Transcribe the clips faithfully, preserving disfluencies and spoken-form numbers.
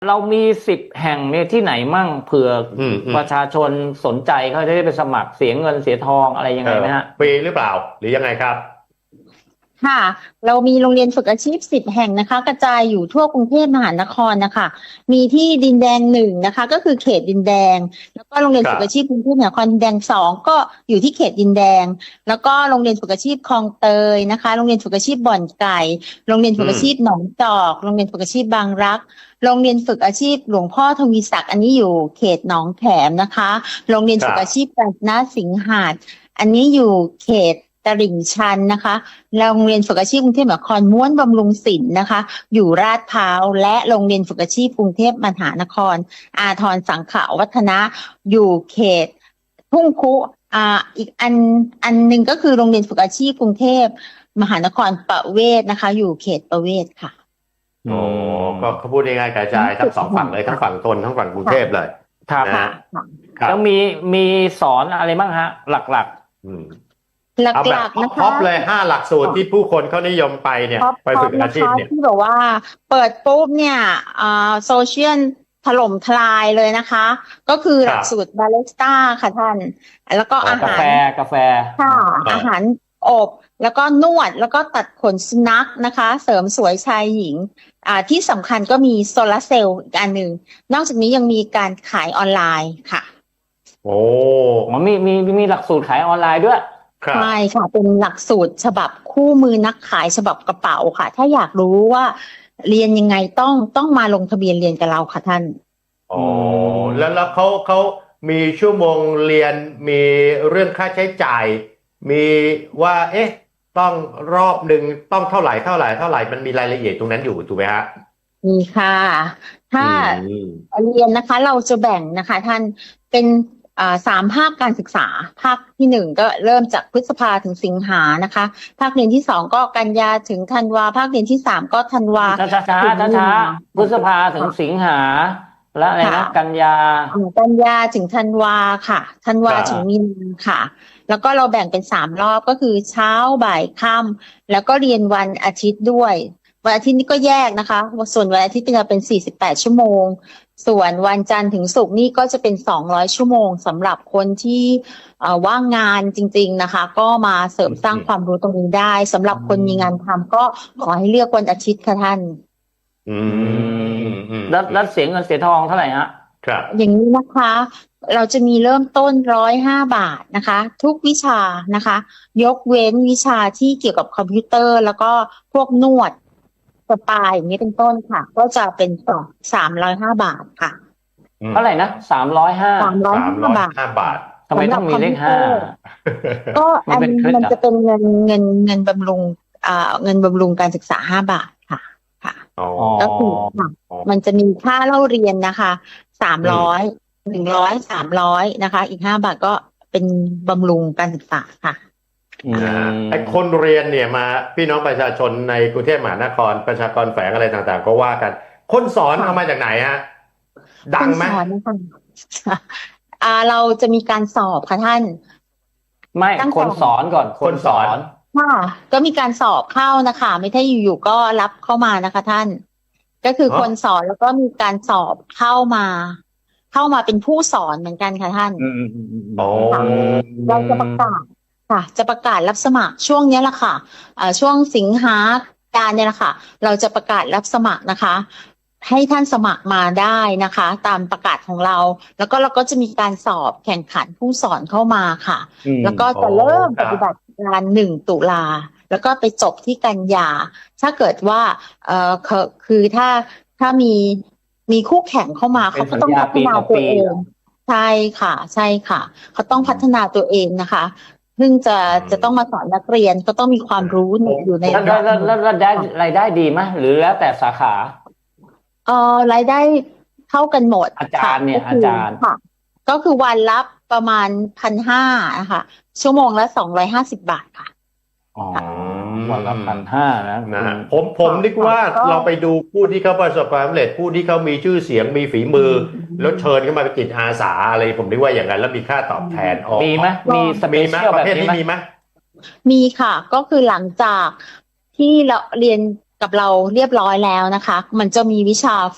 เรามีสิบแห่งเนี่ยที่ไหนมั่งเผื่ออืมอืมประชาชนสนใจเขาจะได้ไปสมัครเสียเงินเสียทองอะไรยังไงไหมฮะฟรีหรือเปล่าหรือยังไงครับค่ะเรามีโรงเรียนฝึกอาชีพสิบแห่งนะคะกระจายอยู่ทั่วกรุงเทพมหานครนะคะมีที่ดินแดงหนึ่งนะคะก็คือเขตดินแดงแล้วก็โรงเรียนฝึกอาชีพกรุงเทพมหานครดินแดงสองก็อยู่ที่เขตดินแดงแล้วก็โรงเรียนฝึกอาชีพคลองเตยนะคะโรงเรียนฝึกอาชีพบ่อนไก่โรงเรียนฝึกอาชีพหนองจอกโรงเรียนฝึกอาชีพบางรักโรงเรียนฝึกอาชีพหลวงพ่อทวีศักดิ์อันนี้อยู่เขตหนองแขมนะคะโรงเรียนฝึกอาชีพกาญจนสิงหาดอันนี้อยู่เขตตลิ่งชันนะคะโรงเรียนฝึกอาชีพกรุงเทพมหานครม้วนบำรุงศิลป์นะคะอยู่ลาดพร้าวและโรงเรียนฝึกอาชีพกรุงเทพมหานครอาทรสังขวัฒนะอยู่เขตทุ่งคุอ่าอีกอันอันหนึ่งก็คือโรงเรียนฝึกอาชีพกรุงเทพมหานครประเวศนะคะอยู่เขตประเวศค่ะโอ้ก็เขาพูดง่ายๆกระจายทั้งสองฝั่งเลยทั้งฝั่งทนทั้งฝั่งกรุงเทพเลยครับนะฮะครับแล้วมีมีสอนอะไรบ้างฮะ หลักอืมหเอาแบลับกๆนะคะท็อปเลยห้าหลักสูตรที่ผู้คนเขานิยมไปเนี่ยไปฝึกอาชีพเนี่ยที่แบบว่าเปิดปุ๊บเนี่ยอ่าโซเชียลถล่มทลายเลยนะคะ ก็คือหลักสูตรบาริสต้าค่ะท่าน แล้วก็ๆอากาหารแฟกาแฟค่ะอ่าอาหารอบ แล้วก็นวดแล้วก็ตัดขนสุนัขนะคะ เสริมสวยชายหญิงอ่าที่สำคัญก็มีโซลาร์เซลล์อีกอันหนึ่งนอกจากนี้ยังมีการขายออนไลน์ค่ะโอ้มันมีมีมีหลักสูตรขายออนไลน์ด้วยครับใช่ค่ะเป็นหลักสูตรฉบับคู่มือนักขายฉบับกระเป๋าค่ะ ถ้าอยากรู้ว่าเรียนยังไงต้องต้องมาลงทะเบียนเรียนกับเราค่ะท่านโอ้แล้วแล้วเขาเขามีชั่วโมงเรียนมีเรื่องค่าใช้จ่าย มีว่า เอ๊ะ ต้องรอบหนึ่งต้องเท่าไหร่เท่าไหร่เท่าไหร่มันมีรายละเอียดตรงนั้นอยู่ถูกไหมฮะมีค่ะ ถ้าอืมเรียนนะคะเราจะแบ่งนะคะท่านเป็นอ่าสามภาคการศึกษา ภาคที่หนึ่งก็เริ่มจากพฤษภาถึงสิงหานะคะ ภาคเรียนที่สองก็กันยาถึงธันวา ภาคเรียนที่สามก็ธันวาช้าช้าช้าช้าช้าพฤษภาถึงสิงหา และอะไรนะค่ะกันยาอ่ากันยาถึงธันวาค่ะธันวาครับถึงมีนาค่ะ แล้วก็เราแบ่งเป็นสามรอบก็คือเช้าบ่ายค่ำแล้วก็เรียนวันอาทิตย์ด้วยวันอาทิตย์นี้ก็แยกนะคะส่วนวันอาทิตย์จะเป็นสี่สิบแปดชั่วโมงส่วนวันจันทร์ถึงศุกร์นี่ก็จะเป็นสองร้อยชั่วโมงสำหรับคนที่เอ่อว่างงานจริงๆนะคะ ก็มาเสริมสร้างความรู้ตรงนี้ได้สำหรับคนมีงานทำก็ขอให้เลือกวันอาทิตย์ค่ะท่านอืมอืมแล้วแล้วเสียเงินเสียทองเท่าไหร่ฮะครับอย่างนี้นะคะ เราจะมีเริ่มต้นร้อยห้าบาทนะคะ ทุกวิชานะคะ ยกเว้นวิชาที่เกี่ยวกับคอมพิวเตอร์ แล้วก็พวกนวดสปาอย่างนี้เป็นต้นค่ะ ก็จะเป็นสองสามร้อยห้าบาทค่ะเท่าไหร่นะสามร้อยห้าสามร้อยสามห้าร้อยบาทห้าบาททำไมต้องมีเลขห้าก็อันมันเป็นเคล็ดมันลับจะเป็นเงินเงินเงินบำรุงอ่าเงินบำรุงการศึกษาห้าบาทค่ะค่ะอ๋อก็คือค่ะอ๋อมันจะมีค่าเล่าเรียนนะคะสามร้อยหนึ่งร้อยสามร้อยนะคะ อีกห้าบาทก็เป็นบำรุงการศึกษาค่ะอืมนะฮะไอ้คนเรียนเนี่ยมาพี่น้องประชาชนในกรุงเทพมหานครประชากรแฝงอะไรต่างๆ ก็ว่ากัน คนสอนค่ะเอามาจากไหนฮะดังไหมคนสอนนะคะอ่าเราจะมีการสอบค่ะท่านไม่ตั้งคนสอนสอนก่อนคนสอนค่ะก็มีการสอบเข้านะคะ ไม่ใช่อยู่ๆก็รับเข้ามานะคะท่าน ก็คืออ๋อคนสอนแล้วก็มีการสอบเข้ามา เข้ามาเป็นผู้สอนเหมือนกันค่ะท่านอืมอืมอืมอืมโอ้เราจะประกาศค่ะ จะประกาศรับสมัครช่วงนี้แหละค่ะอ่าช่วงสิงหาการเนี่ยแหละค่ะ เราจะประกาศรับสมัครนะคะ ให้ท่านสมัครมาได้นะคะ ตามประกาศของเรา แล้วก็เราก็จะมีการสอบแข่งขันผู้สอนเข้ามาค่ะอืมแล้วก็จะเริ่มปฏิบัติการหนึ่งตุลาแล้วก็ไปจบที่กันยา ถ้าเกิดว่าเอ่อคือคือถ้าถ้ามีมีคู่แข่งเข้ามาเป็นเขาก็ต้องสัญญาพัฒนาปีต่อตัวปีเอเหรง อใช่ค่ะ ใช่ค่ะ เขาต้องพัฒนาตัวเองนะคะซึ่งจะจะต้องมาสอนนักเรียนก็ต้องมีความรู้ในอยู่ในแล้วแล้วแล้วแล้วได้รายได้ดีไหมหรือแล้วแต่สาขาเอ่อรายได้เท่ากันหมดอาจารย์เนี่ยค่ะก็คือาจารย์ค่ะ ก็คือวันละประมาณพันห้านะคะชั่วโมงละสองร้อยห้าสิบบาทค่ะอ๋อวันละพันห้านะนะฮะผมผมนึกว่าก็เราไปดูผู้ที่เขาประสบความสำเร็จผู้ที่เขามีชื่อเสียงมีฝีมือ แล้วเชิญเข้ามาเป็นจิตอาสาอะไรผมนึกว่าอย่างนั้นแล้วมีค่าตอบแทนอ๋อมีไหมมีสเปมีไหมเชียลปแบระบเภทนี้นี้ไหมมีไหมมีค่ะก็คือหลังจากที่เราเรียนกับเราเรียบร้อยแล้วนะคะ มันจะมีวิชาฝึก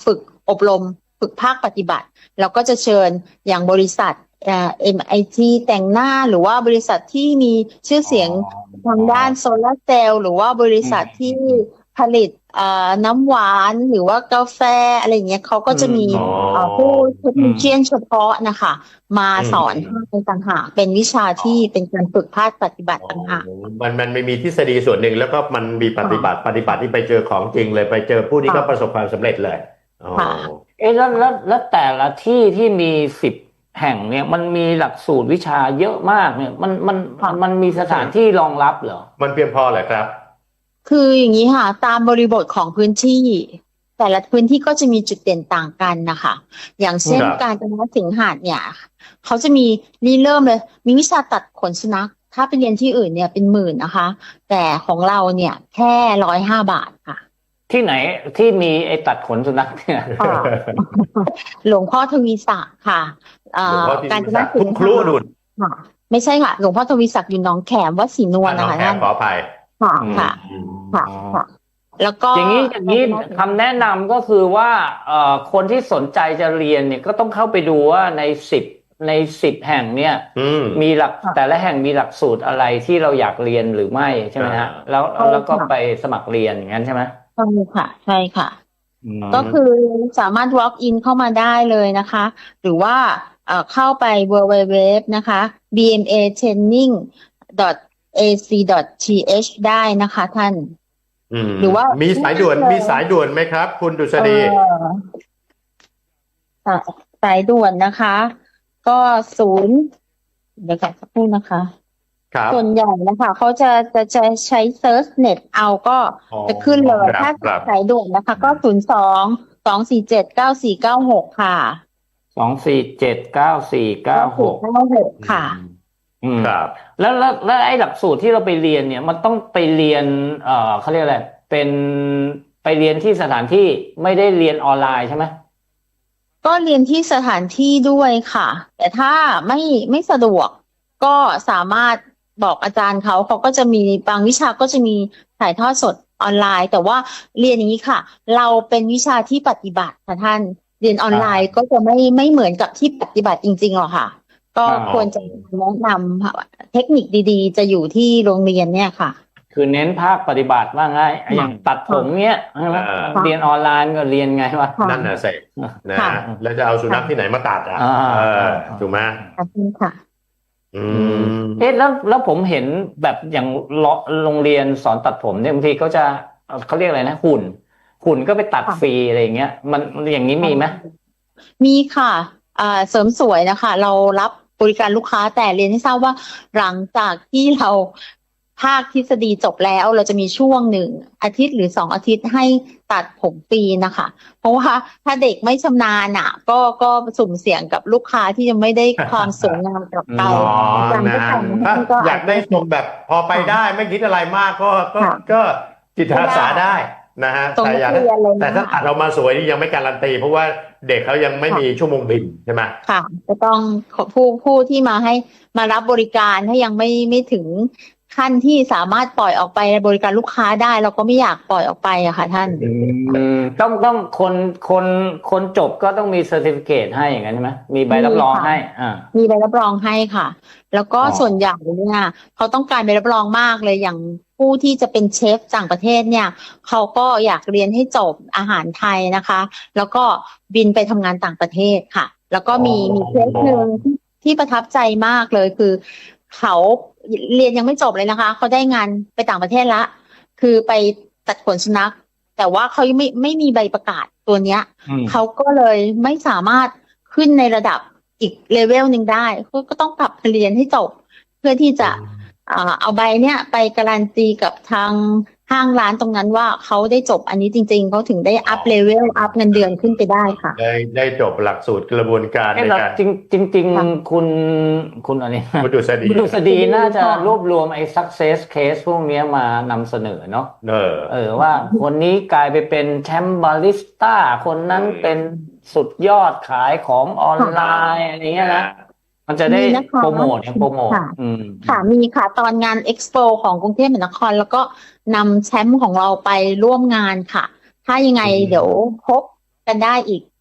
อบรมฝึกภาคปฏิบัติเราก็จะเชิญอย่างบริษัทเอ่อ เอ็ม ไอ ที แต่งหน้าหรือว่าบริษัทที่มีชื่อเสียงทางด้านโซลาร์เซลล์หรือว่าบริษัทที่ผลิตเอ่อน้ำหวานหรือว่ากาแฟอะไรอย่างเงี้ยเขาก็จะมีอ๋อเอ่อผู้เทคนิคเชียนเฉพาะนะคะมาสอนให้ต่างหากเป็นวิชาที่เป็นการฝึกภาคปฏิบัติต่างหากมันมันไม่มีทฤษฎีส่วนหนึ่งแล้วก็มันมีปฏิบัติปฏิบัติที่ไปเจอของจริงเลยไปเจอผู้ที่เขาประสบความสำเร็จเลยอ๋อค่ะเอ๊ะแล้วแล้วแล้วแต่ละที่ที่มีสิบแห่งเนี่ยมันมีหลักสูตรวิชาเยอะมากเนี่ยมันมันค่ะมันมีสถานที่รองรับเหรอมันเพียงพอเหรอครับคืออย่างนี้ค่ะตามบริบทของพื้นที่ แต่ละพื้นที่ก็จะมีจุดเด่นต่างกันนะคะ อย่างเช่นครับการจนสิงหาดเนี่ยเขาจะมีรีเริ่มเลย มีวิชาตัดขนสุนัขถ้าไปเรียนที่อื่นเนี่ยเป็นหมื่นนะคะ แต่ของเราเนี่ยแค่ร้อยห้าบาทค่ะที่ไหนที่มีไอ้ตัดขนสุนัขเนี่ยค่ะ หลวงพ่อทวีศักดิ์ค่ะเอ่หลวงอพ่อที่การจนคุสิณงครูหาดุดลค่ะ ไม่ใช่ค่ะ หลวงพ่อทวีศักดิ์อยู่หนองแขมวัดศรีนวลน้อนะงคะแขท่าก นขออภัยค่ะอืมค่ะอืมค่ะอ๋อค่ะ แล้วก็อย่างนี้อย่างนี้คำแนะนำก็คือว่าเอ่อคนที่สนใจจะเรียนเนี่ยก็ต้องเข้าไปดูว่าในสิบในสิบแห่งเนี่ยอืมมีหลักแต่ละแห่งมีหลักสูตรอะไรที่เราอยากเรียนหรือไม่ใช่ไหมฮะอ่าแล้วใช่แล้วก็ค่ะไปสมัครเรียนอย่างนั้นใช่ไหมใช่ค่ะ ใช่ค่ะอืมก็คือสามารถ walk in เข้ามาได้เลยนะคะ หรือว่าเอ่อเข้าไป ดับเบิลยู ดับเบิลยู ดับเบิลยู นะคะ บี เอ็ม เอ เทรนนิ่ง ดอท เอ ซี ดอท ที เอช ได้นะคะท่านอืมหรือว่ามีสายด่วนเลยมีสายด่วนไหมครับ คุณดุษฎีเอ่อสายสายด่วนนะคะ ก็ศูนย์เดี๋ยวก่อนสักครู่นะคะครับส่วนใหญ่นะคะเขาจะจะจะใช้ search net เอาก็อ๋อจะขึ้นเลยครับถ้าครับสายด่วนนะคะ ก็ศูนย์สองสองสี่เจ็ดเก้าสี่เก้าหกค่ะสองสี่เจ็ดเก้าสี่เก้าหกเก้าหกค่ะอืมครับแล้วแล้วแล้วไอ้หลักสูตรที่เราไปเรียนเนี่ยมันต้องไปเรียนเอ่อเขาเรียกอะไรเป็นไปเรียนที่สถานที่ไม่ได้เรียนออนไลน์ใช่ไหมก็เรียนที่สถานที่ด้วยค่ะ แต่ถ้าไม่ไม่สะดวก ก็สามารถบอกอาจารย์เขาเขาก็จะมีบางวิชาก็จะมีถ่ายทอดสดออนไลน์ แต่ว่าเรียนอย่างนี้ค่ะ เราเป็นวิชาที่ปฏิบัติค่ะท่านเรียนออนไลน์ก็จะไม่ไม่เหมือนกับที่ปฏิบัติจริงๆหรอกค่ะ ก็อ๋อควรจะแนะนำค่ะเทคนิคดีๆ จะอยู่ที่โรงเรียนเนี่ยค่ะคือเน้นภาคปฏิบัติว่าง่ายอย่างตัดผมเนี้ยใช่ไหมอ่าเรียนออนไลน์ก็เรียนไงวะค่ะนั่นน่ะสินะค่ะแล้วจะเอาสุนัขที่ไหนมาตัดอ่ะอ่าเออถูกไหมขอบคุณค่ะอืมเอ๊ะแล้วแล้วผมเห็นแบบอย่างโรโรงเรียนสอนตัดผมเนี่ยบางทีเขาจะเขาเรียกอะไรนะหุ่น หุ่นก็ไปตัดค่ะฟรีอะไรอย่างเงี้ย มันอย่างนี้มีไหมมีค่ะอ่าเสริมสวยนะคะ เรารับบริการลูกค้าแต่เรียนให้ทราบว่าหลังจากที่เราภาคทฤษฎีจบแล้ว เราจะมีช่วงหนึ่งอาทิตย์หรือสองอาทิตย์ให้ตัดผมฟรีนะคะ เพราะว่าถ้าเด็กไม่ชำนาญอ่ะ ก็ก็สุ่มเสี่ยงกับลูกค้าที่จะไม่ได้ความสวยงามกลับไปอ๋ออาจารย์นะก็ทำถ้าให้ก็อยากได้ทรงแบบพอไปได้ไม่คิดอะไรมากก็ก็ค่ะก็จิตอาสาได้นะฮะทรงแต่อยากนักเรียนเลยนะแต่ถ้าตัดออกมาสวยนี่ยังไม่การันตี เพราะว่าเด็กเขายังไม่มีชั่วโมงบินใช่ไหมค่ะจะต้องขอผู้ผู้ที่มาให้มารับบริการถ้ายังไม่ไม่ถึงขั้นที่สามารถปล่อยออกไปบริการลูกค้าได้ เราก็ไม่อยากปล่อยออกไปอะค่ะท่านอืมต้องต้องคนคนคนจบก็ต้องมีเซอร์ติฟิเคตให้อย่างนั้นใช่ไหมมีใบรับรองมีค่ะให้อ่ามีใบรับรองให้ค่ะ แล้วก็อ๋อส่วนใหญ่เนี่ยเขาต้องการใบรับรองมากเลยอย่างผู้ที่จะเป็นเชฟต่างประเทศเนี่ยเขาก็อยากเรียนให้จบอาหารไทยนะคะ แล้วก็บินไปทำงานต่างประเทศค่ะ แล้วก็มีมีเคสหนึ่งที่ที่ประทับใจมากเลยคือ เขาเรียนยังไม่จบเลยนะคะเขาได้งานไปต่างประเทศละคือไปตัดขนสุนัข แต่ว่าเขาไม่ไม่มีใบประกาศตัวเนี้ยอืมเขาก็เลยไม่สามารถขึ้นในระดับอีกเลเวลหนึ่งได้เขาก็ต้องกลับไปเรียนให้จบ เพื่อที่จะอ่าเอาใบเนี้ยไปการันตีกับทางห้างร้านตรงนั้นว่าเขาได้จบอันนี้จริงๆเขาถึงได้อัพเลเวลอัพเงินเดือนขึ้นไปได้ค่ะได้ได้จบหลักสูตรกระบวนการเอ๊ะในแล้วการจริงจริงจริงค่ะคุณคุณอะไรคุณดุษฎีคุณดุษฎีน่าจะค่ะรวบรวมไอ้ success case พวกเนี้ยมานำเสนอเนาะเออเออว่าคนนี้กลายไปเป็นแชมป์บาริสต้าคนนั้นอืมเป็นสุดยอดขายของออนไลน์อะไรเงี้ยนะ มันจะได้มีนะคะโปรโมทเนี่ยโปรโมทค่ะอืมค่ะมีค่ะตอนงานเอ็กซ์โปของกรุงเทพมหานคร แล้วก็นำแชมป์ของเราไปร่วมงานค่ะ ถ้ายังไงอืมเดี๋ยวพบกันได้อีก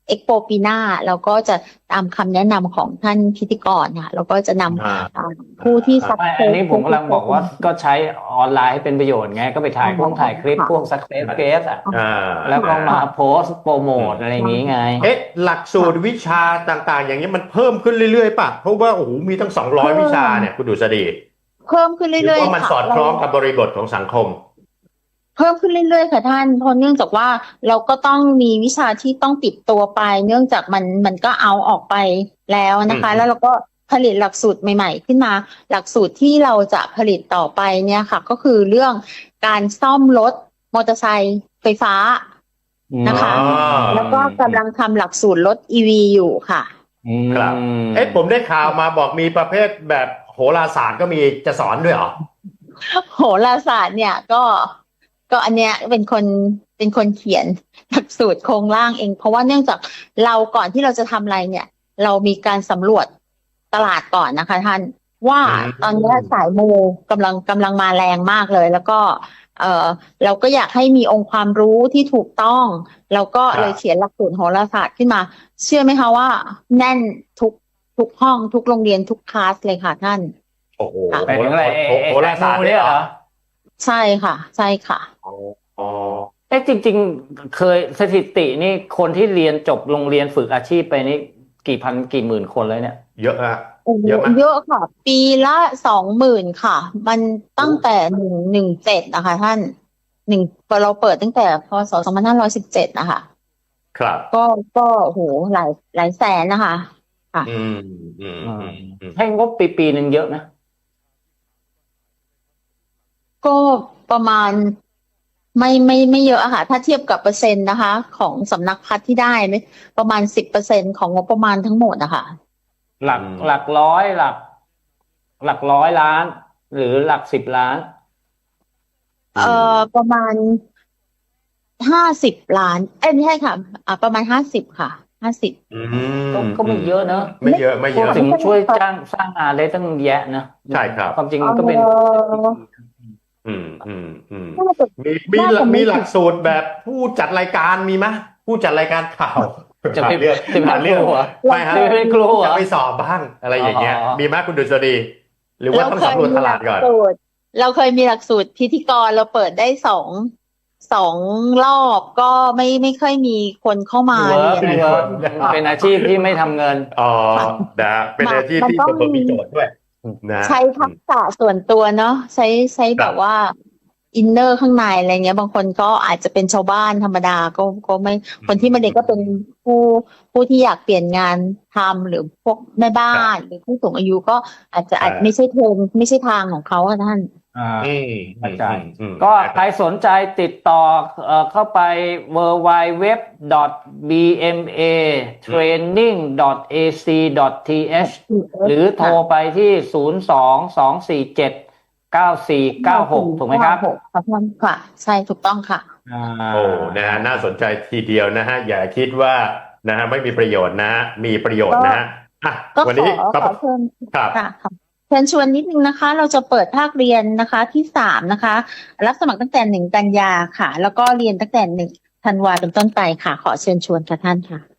เอ็กโปปีหน้าเราก็จะตามคำแนะนำของท่านพิธีกรค่ะเราก็จะนอ่าำอ่าผู้ที่สักไม่เซอันสนี้ผมกำลังบอกว่าก็ใช้ออนไลน์ให้เป็นประโยชน์ไงก็ไปถ่ายพวกถ่ายคลิปพวก success case อ่ะอ่าแล้วก็มาโพสต์โปรโมทอะไรอย่างนี้ไงเอ๊ะหลักสูตรวิชาต่างๆ อย่างนี้มันเพิ่มขึ้นเรื่อยๆป่ะเพราะว่าโอ้โหมีตั้งสองร้อยวิชาเนี่ยคุณดุษฎีเพิ่มขึ้นหรืเรื่อยว่าๆมันค่ะสอดคล้องกับบริบทของสังคมเพิ่มขึ้นเรื่อยๆค่ะท่านเพราะเนื่องจากว่าเราก็ต้องมีวิชาที่ต้องติดตัวไป เนื่องจากมันมันก็เอาออกไปแล้วนะคะอืมแล้วเราก็ผลิตหลักสูตรใหม่ๆขึ้นมา หลักสูตรที่เราจะผลิตต่อไปเนี่ยค่ะ ก็คือเรื่องการซ่อมรถมอเตอร์ไซค์ไฟฟ้า นะคะอ๋อแล้วก็กำลังทำหลักสูตรรถ อี วี อยู่ค่ะครับ เอ๊ะผมได้ข่าวมาบอกมีประเภทแบบโหราศาสตร์ก็มีจะสอนด้วยเหรอโหราศาสตร์เนี่ยก็ก็อันเนี้ยเป็นคนเป็นคนเขียนหลักสูตรโครงร่างเอง เพราะว่าเนื่องจากเราก่อนที่เราจะทำอะไรเนี่ย เรามีการสำรวจตลาดก่อนนะคะท่านว่าอืมตอนเนี้ยสายมูกำลังกำลังมาแรงมากเลย แล้วก็เออเราก็อยากให้มีองค์ความรู้ที่ถูกต้องเราก็เลยเขียนหลักสูตรโหราศาสตร์ขึ้นมา เชื่อไหมคะว่าแน่นทุกทุกห้องทุกโรงเรียนทุกคลาสเลยค่ะท่านโอ้โหไปถึงอะไรโหโหราศาสตร์เนี่ยเหรอใช่ค่ะ ใช่ค่ะอ๋อเอ๊ะจริงๆ เคยสถิตินี่คนที่เรียนจบโรงเรียนฝึกอาชีพไปนี่กี่พันกี่หมื่นคนเลยเนี่ยเยอะอะโอ้โหเยอะไหมเยอะค่ะ ปีละสองหมื่นค่ะ มันตั้งแต่หนึ่งหนึ่งเจ็ดนะคะท่านหนึ่งเราเปิดตั้งแต่พศสองพันห้าร้อยสิบเจ็ดนะคะครับก็ก็โอ้โหหลายหลายแสนนะคะอืมอืมอืมอืมให้งบปีปีหนึ่งเยอะนะก็ประมาณไม่ไม่ไม่เยอะอะค่ะ ถ้าเทียบกับเปอร์เซ็นต์นะคะ ของสำนักพัฒน์ที่ได้ไม่ประมาณสิบเปอร์เซ็นของงบประมาณทั้งหมดอะค่ะหลักหลักร้อยหลัก หลักร้อยล้าน หรือหลักสิบล้านเอ่อประมาณห้าสิบล้าน เอ้ยไม่ใช่ค่ะอ่าประมาณห้าสิบค่ะห้าสิบอืก็มก็ไม่เยอะเนอะไม่เยอะไม่เยอะถึงช่วยจ้างสร้างงานได้ตั้งแยะนะใช่ครับความจริงมันก็เป็นเอ่ออืมอืมอืมน่าจะมีมีน่าจะไม่มีหลักสูตรแบบผู้จัดรายการมีไหมผู้จัดรายการข่าวจะไปผ่านเรื่องจะไปผ่านเรื่องครูเหรอไม่ฮะจะไปเป็นครูเหรอจะไปสอบบ้างอะไรอย่างเงี้ยอ๋อมีไหมคุณดุษฎีหรือว่าต้องสำรวจตลาดก่อนเรเคยมีหลักสูตรเราเคยมีหลักสูตรพิธีกรเราเปิดได้สองสองรอบก็ไม่ไม่ค่อยมีคนเข้ามาเวิร์กเรียนเวิร์กเป็นอาชีพที่ไม่ทำเงินอ๋อนะเป็นอาชีพที่มันต้ปองระกอบมีโจทย์ด้วยนะใช้ทักษะส่วนตัวเนาะใช้ใช้แบบว่าอินเนอร์ข้างในอะไรเงี้ย บางคนก็อาจจะเป็นชาวบ้านธรรมดาก็ก็ไม่คนที่มาเด็กก็เป็นผู้ผู้ที่อยากเปลี่ยนงานทำหรือพวกแม่บ้านหรือผู้สูงอายุก็อาจจะอาจไม่ใช่เทรนไม่ใช่ทางของเขาอะท่านอ่าอืมเข้าใจอืมอืมก็ใครสนใจติดต่อเอ่อเข้าไป ดับเบิลยู ดับเบิลยู ดับเบิลยู ดอท บี เอ็ม เอ เทรนนิ่ง ดอท เอ ซี ดอท ที เอช หรือโทรไปที่ ศูนย์ สอง สอง สี่ เจ็ด เก้า สี่ เก้า หก ถูกไหมครับครับท่านค่ะ ใช่ถูกต้องค่ะอ่าโอ้นะฮะน่าสนใจทีเดียวนะฮะอย่าคิดว่านะฮะไม่มีประโยชน์นะฮะมีประโยชน์นะฮะอ่ะก็วันขอนี้ขอเชิญครับค่ะค่ะเชิญชวนนิดนึงนะคะ เราจะเปิดภาคเรียนนะคะที่สามนะคะ รับสมัครตั้งแต่หนึ่งกันยาค่ะ แล้วก็เรียนตั้งแต่หนึ่งธันวาเป็นต้นไปค่ะ ขอเชิญชวนค่ะท่านค่ะ